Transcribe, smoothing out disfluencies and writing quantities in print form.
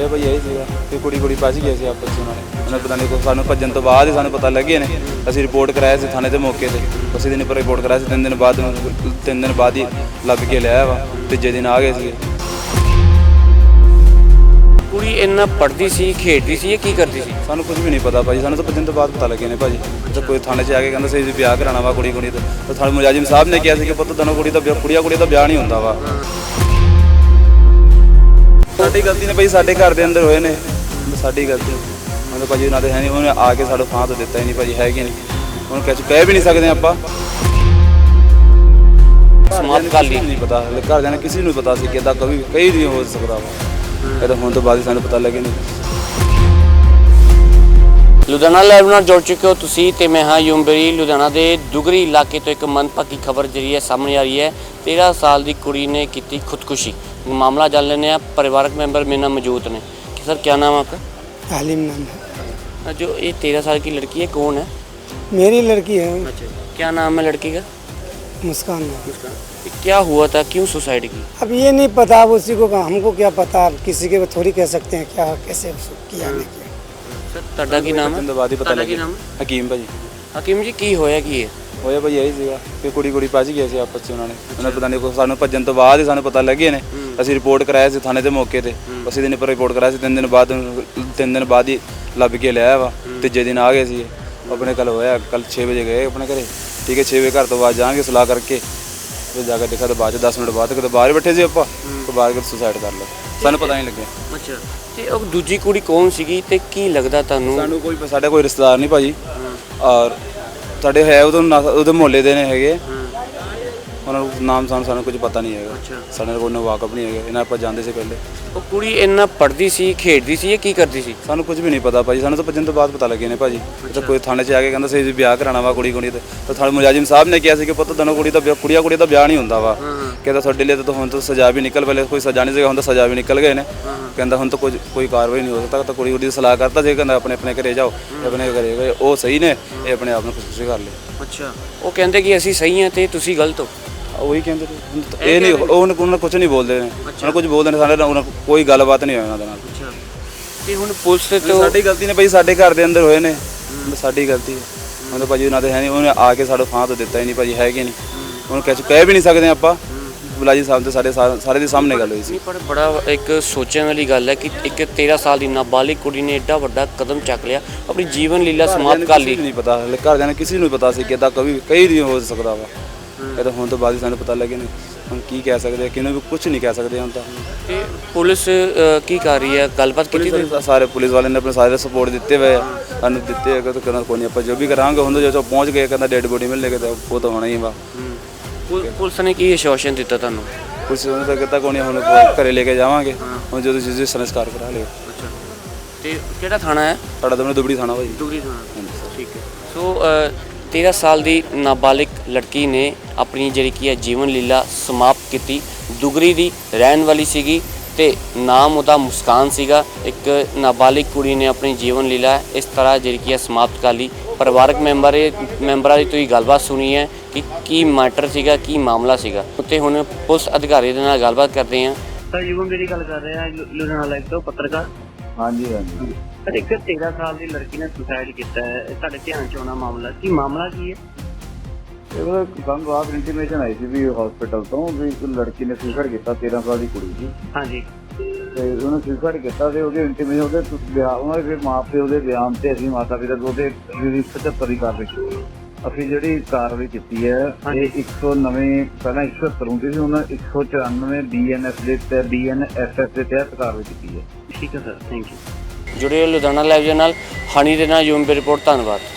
ਹੋਇਆ ਭਾਈ ਇਹ ਸੀਗਾ ਕਿ ਕੁੜੀ ਭੱਜ ਗਈ ਸੀ ਆਪਸ 'ਚ ਉਹਨਾਂ ਨੇ ਪਤਾ ਨਹੀਂ ਸਾਨੂੰ ਭੱਜਣ ਤੋਂ ਬਾਅਦ ਹੀ ਸਾਨੂੰ ਪਤਾ ਲੱਗੇ ਨੇ। ਅਸੀਂ ਰਿਪੋਰਟ ਕਰਾਇਆ ਸੀ ਥਾਣੇ 'ਤੇ ਮੌਕੇ 'ਤੇ, ਉਸੇ ਦਿਨ ਪਰ ਰਿਪੋਰਟ ਕਰਾਇਆ ਸੀ। 3 ਦਿਨ ਬਾਅਦ ਹੀ ਲੱਭ ਕੇ ਲਿਆਇਆ ਵਾ, ਤੀਜੇ ਦਿਨ ਆ ਗਏ ਸੀ। ਕੁੜੀ ਇੰਨਾ ਪੜ੍ਹਦੀ ਸੀ, ਖੇਡਦੀ ਸੀ, ਇਹ ਕੀ ਕਰਦੀ ਸੀ? ਸਾਨੂੰ ਕੁਝ ਵੀ ਨਹੀਂ ਪਤਾ ਭਾਜੀ, ਸਾਨੂੰ ਤਾਂ ਭੱਜਣ ਤੋਂ ਬਾਅਦ ਪਤਾ ਲੱਗੇ ਨੇ ਭਾਜੀ। ਤਾਂ ਕੋਈ ਥਾਣੇ 'ਚ ਆ ਕੇ ਕਹਿੰਦਾ ਸੀ ਵਿਆਹ ਕਰਾਉਣਾ ਵਾ ਕੁੜੀ ਦਾ, ਤਾਂ ਥਾਣੇ ਮੁਲਾਜ਼ਮ ਸਾਹਿਬ ਨੇ ਕਿਹਾ ਸੀ ਕਿ ਪੁੱਤ ਦੋਨੋਂ ਕੁੜੀ ਦਾ ਵਿਆਹ ਨਹੀਂ ਹੁੰਦਾ ਵਾ। ਸਾਡੀ ਗਲਤੀ ਨੇ ਭਾਈ, ਸਾਡੇ ਘਰ ਦੇ ਅੰਦਰ ਹੋਏ ਨੇ, ਸਾਡੀ ਗਲਤੀ। ਮਤਲਬ ਭਾਜੀ ਉਹਨਾਂ ਦੇ ਹੈ ਨਹੀਂ, ਉਹਨੇ ਆ ਕੇ ਸਾਡਾ ਫਾਂ ਤੋਂ ਦਿੱਤਾ ਹੀ ਨਹੀਂ ਭਾਜੀ, ਹੈਗੇ ਨਹੀਂ ਹੁਣ ਕਹਿ ਵੀ ਨਹੀਂ ਸਕਦੇ ਆਪਾਂ। ਸਮਾਪਤ ਕਰ ਲਈ ਨਹੀਂ ਪਤਾ, ਘਰਦਿਆਂ ਨੇ ਕਿਸੇ ਨੂੰ ਪਤਾ ਸੀ ਕਿ ਇੱਦਾਂ ਕਈ ਨਹੀਂ ਹੋ ਸਕਦਾ ਵਾ। ਇਹ ਤਾਂ ਹੁਣ ਤੋਂ ਬਾਅਦ ਸਾਨੂੰ ਪਤਾ ਲੱਗੇ ਨਹੀਂ। ਲੁਧਿਆਣਾ ਲਾਈਵ ਨਾਲ ਜੁੜ ਚੁੱਕੇ ਹੋ ਤੁਸੀਂ ਤੇ ਮੈਂ ਹਾਂ ਯੂਮਬਰੀ। ਲੁਧਿਆਣਾ ਦੇ ਦੁਗਰੀ ਇਲਾਕੇ ਤੋਂ ਇੱਕ ਮੰਦਭਾਗੀ ਖਬਰ ਜਿਹੜੀ ਹੈ ਸਾਹਮਣੇ ਆ ਰਹੀ ਹੈ। 13 ਸਾਲ ਦੀ ਕੁੜੀ ਨੇ ਕੀਤੀ खुदकुशी। मामला जान लेने हैं, परिवारक मेंबर मेरे नाम मौजूद ने। सर क्या नाम है आपका? तालीम नाम है। जो ये 13 साल की लड़की है कौन है? मेरी लड़की है। अच्छा, क्या नाम है लड़की का? मुस्कान नाम। क्या हुआ था, क्यों सुसाइड की? अब ये नहीं पता, अब उसी को हमको क्या पता, अब किसी के थोड़ी कह सकते हैं क्या कैसे किया नहीं किया। सर ਤੁਹਾਡਾ ਕੀ ਨਾਮ ਹੈ? ਪਤਾ ਲੱਗਿਆ ਹਕੀਮ ਭਾਜੀ। ਹਕੀਮ ਜੀ ਕੀ ਹੋਇਆ ਕੀ ਹੈ? ਹੋਇਆ ਭਾਈ ਇਹੀ ਸੀਗਾ ਕਿ ਕੁੜੀ ਭੱਜ ਗਈ ਸੀ ਆਪਸ 'ਚ ਉਹਨਾਂ ਨੇ ਪਤਾ ਨਹੀਂ ਸਾਨੂੰ ਭੱਜਣ ਤੋਂ ਬਾਅਦ ਹੀ ਸਾਨੂੰ ਪਤਾ ਲੱਗੇ ਨੇ। ਅਸੀਂ ਰਿਪੋਰਟ ਕਰਾਇਆ ਸੀ ਥਾਣੇ 'ਤੇ ਮੌਕੇ 'ਤੇ, ਉਸੇ ਦਿਨ ਪਰ ਰਿਪੋਰਟ ਕਰਾਇਆ ਸੀ। 3 ਦਿਨ ਬਾਅਦ ਹੀ ਲੱਭ ਕੇ ਲਿਆਇਆ ਵਾ, ਤੀਜੇ ਦਿਨ ਆ ਗਏ ਸੀ। ਆਪਣੇ ਕੱਲ ਹੋਇਆ, ਕੱਲ 6 ਵਜੇ ਗਏ ਆਪਣੇ ਘਰੇ, ਠੀਕ ਹੈ। 6 ਵਜੇ ਘਰ ਤੋਂ ਬਾਅਦ ਜਾਣਗੇ ਸਲਾਹ ਕਰਕੇ, ਫਿਰ ਜਾ ਕੇ ਦੇਖਿਆ ਤਾਂ ਬਾਅਦ 'ਚ 10 ਮਿੰਟ ਬਾਅਦ ਕਿਤੇ ਬਾਹਰ ਬੈਠੇ ਸੀ ਆਪਾਂ, ਤੋਂ ਬਾਹਰ ਕੇ ਸੁਸਾਈਡ ਕਰ ਲਿਆ, ਸਾਨੂੰ ਪਤਾ ਨਹੀਂ ਲੱਗਿਆ। ਅੱਛਾ, ਤੇ ਉਹ ਦੂਜੀ ਕੁੜੀ ਕੌਣ ਸੀਗੀ ਤੇ ਕੀ ਲੱਗਦਾ ਤੁਹਾਨੂੰ? ਸਾਨੂੰ ਸਾਡਾ ਕੋਈ ਰਿਸ਼ਤੇਦਾਰ ਨਹੀਂ ਭਾਜੀ, ਔਰ ਸਾਡੇ ਹੈ ਉਹਦੇ ਮੁਹੱਲੇ ਦੇ ਨੇ ਹੈਗੇ, ਉਹਨਾਂ ਨੂੰ ਨਾਮ ਸਾਨੂੰ ਕੁਝ ਪਤਾ ਨਹੀਂ ਹੈਗਾ। ਸਾਡੇ ਨਾਲ ਕੋਈ ਵਾਕਫ ਨਹੀਂ ਹੈਗਾ, ਇਹਨਾਂ ਆਪਾਂ ਜਾਂਦੇ ਸੀ ਪਹਿਲੇ। ਉਹ ਕੁੜੀ ਇੰਨਾ ਪੜ੍ਹਦੀ ਸੀ, ਖੇਡਦੀ ਸੀ, ਇਹ ਕੀ ਕਰਦੀ ਸੀ? ਸਾਨੂੰ ਕੁਝ ਵੀ ਨਹੀਂ ਪਤਾ ਭਾਜੀ, ਸਾਨੂੰ ਤਾਂ ਭੱਜਣ ਤੋਂ ਬਾਅਦ ਪਤਾ ਲੱਗੇ ਨੇ ਭਾਜੀ। ਤਾਂ ਕੋਈ ਥਾਣੇ 'ਚ ਆ ਕੇ ਕਹਿੰਦਾ ਸੀ ਵਿਆਹ ਕਰਾਉਣਾ ਵਾ ਕੁੜੀ ਦਾ, ਤਾਂ ਥਾਣੇ ਮੁਲਾਜ਼ਮ ਸਾਹਿਬ ਨੇ ਕਿਹਾ ਸੀ ਕਿ ਪੁੱਤ ਦੋਨੋਂ ਕੁੜੀ ਦਾ ਵਿਆਹ ਨਹੀਂ ਹੁੰਦਾ ਵਾ। ਕਹਿੰਦਾ ਤੁਹਾਡੇ ਲਈ ਤਾਂ ਹੁਣ ਤਾਂ ਸਜ਼ਾ ਵੀ ਨਿਕਲ, ਪਹਿਲੇ ਕੋਈ ਸਜ਼ਾ ਨਹੀਂ ਸੀਗਾ, ਹੁਣ ਤਾਂ ਸਜ਼ਾ ਵੀ ਨਿਕਲ ਗਏ ਨੇ। ਕਹਿੰਦਾ ਹੁਣ ਤਾਂ ਕੋਈ ਕਾਰਵਾਈ ਨਹੀਂ ਹੋ ਸਕਦਾ, ਤਾਂ ਕੁੜੀ ਦੀ ਸਲਾਹ ਕਰਤਾ ਸੀ, ਕਹਿੰਦਾ ਆਪਣੇ ਘਰੇ ਜਾਓ, ਆਪਣੇ ਘਰੇ ਗਏ, ਉਹ ਸਹੀ ਨੇ, ਇਹ ਆਪਣੇ ਆਪ ਨੂੰ ਖੁਦਕੁਸ਼ੀ ਕਰ ਲਈ। ਅੱਛਾ, ਉਹ ਕਹਿੰਦੇ ਕਿ ਅਸੀਂ ਸਹੀ ਹਾਂ ਤੇ ਤੁਸੀਂ ਗਲਤ ਹੋ। ਉਹੀ ਕਹਿੰਦੇ ਇਹ ਨਹੀਂ, ਉਹਨਾਂ ਕੁਝ ਨਹੀਂ ਬੋਲਦੇ ਨੇ, ਉਹਨਾਂ ਕੁਝ ਬੋਲਦੇ ਨੇ, ਸਾਡੇ ਨਾਲ ਕੋਈ ਗੱਲਬਾਤ ਨਹੀਂ ਹੋਈ ਉਹਨਾਂ ਦੇ ਨਾਲ। ਅੱਛਾ, ਤੇ ਹੁਣ ਪੁਲਿਸ ਤੇ ਸਾਡੀ ਗਲਤੀ ਨੇ ਭਾਈ, ਸਾਡੇ ਘਰ ਦੇ ਅੰਦਰ ਹੋਏ ਨੇ, ਸਾਡੀ ਗਲਤੀ ਹੈ। ਮਤਲਬ ਭਾਜੀ ਉਹਨਾਂ ਦੇ ਹੈ ਨਹੀਂ, ਉਹਨੇ ਆ ਕੇ ਸਾਡਾ ਫਾਂ ਤੋਂ ਦਿੱਤਾ ਹੀ ਨਹੀਂ ਭਾਜੀ, ਹੈਗੇ ਨਹੀਂ ਹੁਣ ਕਹਿ ਵੀ ਨਹੀਂ ਸਕਦੇ ਆਪਾਂ। ਮੁਲਾਜ਼ਮ ਸਾਹਿਬ ਤੇ ਸਾਡੇ ਸਾਰੇ ਦੇ ਸਾਹਮਣੇ ਗੱਲ ਹੋਈ ਸੀ। ਪਰ ਬੜਾ ਇੱਕ ਸੋਚਣ ਵਾਲੀ ਗੱਲ ਹੈ ਕਿ ਇੱਕ 13 ਸਾਲ ਦੀ ਨਾਬਾਲਿਗ ਕੁੜੀ ਨੇ ਏਡਾ ਵੱਡਾ ਕਦਮ ਚੱਕ ਲਿਆ, ਆਪਣੀ ਜੀਵਨ ਲੀਲਾ ਸਮਾਪਤ ਕਰ ਲਈ। ਨਹੀਂ ਪਤਾ, ਘਰਦਿਆਂ ਨੇ ਕਿਸੇ ਨੂੰ ਪਤਾ ਸੀ ਕਿ ਇੱਦਾਂ ਕਈ ਨਹੀਂ ਹੋ ਸਕਦਾ ਵਾ। ਇਹ ਤਾਂ ਹੁਣ ਤੋਂ ਬਾਅਦ ਹੀ ਸਾਨੂੰ ਪਤਾ ਲੱਗੇ ਨੇ, ਹੁਣ ਕੀ ਕਹਿ ਸਕਦੇ, ਕਿਹਨੂੰ ਵੀ ਕੁਝ ਨਹੀਂ ਕਹਿ ਸਕਦੇ ਹੁਣ ਤਾਂ। ਤੇ ਪੁਲਿਸ ਕੀ ਕਰ ਰਹੀ ਹੈ, ਗੱਲਬਾਤ ਕੀਤੀ? ਸਾਰੇ ਪੁਲਿਸ ਵਾਲਿਆਂ ਨੇ ਆਪਣੇ ਸਾਰੇ ਸਪੋਰਟ ਦਿੱਤੇ ਹੋਏ ਆ, ਸਾਨੂੰ ਦਿੱਤੇ ਹੈਗੇ, ਤਾਂ ਕਹਿੰਦਾ ਕੋਈ ਨਹੀਂ ਆਪਾਂ ਜੋ ਵੀ ਕਰਾਂਗੇ। ਹੁਣ ਜਦੋਂ ਪਹੁੰਚ ਗਏ, ਕਹਿੰਦਾ ਡੈਡ ਬੋਡੀ ਮਿਲੇਗੀ ਤਾਂ ਉਹ ਤਾਂ ਹੋਣਾ ਹੀ ਵਾ। ਪੁਲਿਸ ਨੇ ਕੀ ਆਸ਼ਵਾਸਨ ਦਿੱਤਾ ਤੁਹਾਨੂੰ? ਪੁਲਿਸ ਨੇ ਤਾਂ ਕਹਿੰਦਾ ਕੋਈ ਨਹੀਂ, ਹੁਣ ਘਰੇ ਲੈ ਕੇ ਜਾਵਾਂਗੇ, ਹੁਣ ਜਦੋਂ ਤੁਸੀਂ ਸੰਸਕਾਰ ਕਰਾ ਲਿਓ। ਅੱਛਾ, ਤੇ ਕਿਹੜਾ ਥਾਣਾ ਹੈ ਸਾਡਾ ਤਾਂ ਦੁਬੜੀ ਥਾਣਾ ਭਾਈ। ਦੁਗਰੀ ਥਾਣਾ, ਠੀਕ ਹੈ। ਸੋ 13 ਸਾਲ ਦੀ ਨਾਬਾਲਿਗ ਲੜਕੀ ਨੇ ਆਪਣੀ ਜਿਹੜੀ ਕੀ ਹੈ ਜੀਵਨ ਲੀਲਾ ਸਮਾਪਤ ਕੀਤੀ। ਦੁਗਰੀ ਦੀ ਰਹਿਣ ਵਾਲੀ ਸੀਗੀ ਤੇ ਨਾਮ ਉਹਦਾ ਮੁਸਕਾਨ ਸੀਗਾ। ਇੱਕ ਨਾਬਾਲਿਗ ਕੁੜੀ ਨੇ ਆਪਣੀ ਜੀਵਨ ਲੀਲਾ ਇਸ ਤਰ੍ਹਾਂ ਜਿਹੜੀ ਕੀ ਹੈ ਸਮਾਪਤ ਕਰ ਲਈ। ਪਰਿਵਾਰਕ ਮੈਂਬਰਾਂ ਦੀ ਤੁਸੀਂ ਗੱਲਬਾਤ ਸੁਣੀ ਹੈ ਕਿ ਕੀ ਮੈਟਰ ਸੀਗਾ, ਕੀ ਮਾਮਲਾ ਸੀਗਾ। ਉੱਤੇ ਹੁਣ ਪੁਲਿਸ ਅਧਿਕਾਰੀ ਦੇ ਨਾਲ ਗੱਲਬਾਤ ਕਰਦੇ ਹਾਂ। ਸਰ ਯੂਵਨ ਮੇਰੀ ਗੱਲ ਕਰ ਰਹੇ ਹਾਂ, ਲੁਧਿਆਣਾ ਲਾਈਵ ਤੋਂ ਪੱਤਰਕਾਰ। ਹਾਂਜੀ ਹਾਂਜੀ ਸਰ, ਇੱਕ 13 ਸਾਲ ਦੀ ਲੜਕੀ ਨੇ ਸੁਸਾਈਡ ਕੀਤਾ ਹੈ, ਤੁਹਾਡੇ ਧਿਆਨ 'ਚ ਆਉਣਾ ਮਾਮਲਾ ਕੀ ਮਾਮਲਾ ਕੀ ਹੈ? ਇਹ ਸਾਨੂੰ ਰਾਤ ਇੰਟੀਮੇਸ਼ਨ ਆਈ ਸੀ ਵੀ ਹਸਪੀਟਲ ਤੋਂ ਵੀ ਇੱਕ ਲੜਕੀ ਨੇ ਸੁਸਾਈਡ ਕੀਤਾ, 13 ਸਾਲ ਦੀ ਕੁੜੀ ਸੀ। ਹਾਂਜੀ, ਤੇ ਉਹਨੇ ਸੁਸਾਈਡ ਕੀਤਾ ਤੇ ਉਹਦੇ ਇੰਟੀਮੇਸ਼ਨ ਉਹਨਾਂ ਦੇ ਮਾਂ ਪਿਓ ਦੇ ਬਿਆਨ ਤੇ ਅਸੀਂ ਮਾਤਾ ਪਿਤਾ ਉਹਦੇ 75 ਦੀ ਕਾਰਵਾਈ ਕੀਤੀ। ਅਸੀਂ ਜਿਹੜੀ ਕਾਰਵਾਈ ਕੀਤੀ ਹੈ ਇਹ 109 ਪਹਿਲਾਂ 170 ਹੁੰਦੀ ਸੀ, ਹੁਣ 194 BNSS ਦੇ ਤਹਿਤ ਕਾਰਵਾਈ ਕੀਤੀ ਹੈ। ਠੀਕ ਹੈ ਸਰ, ਥੈਂਕ ਯੂ। ਜੁੜੇ ਲੁਧਿਆਣਾ ਲਾਈਵ ਦੇ ਨਾਲ ਹਨੀ ਦੇ ਨਾਲ ਯੂਮ ਦੀ ਰਿਪੋਰਟ। ਧੰਨਵਾਦ।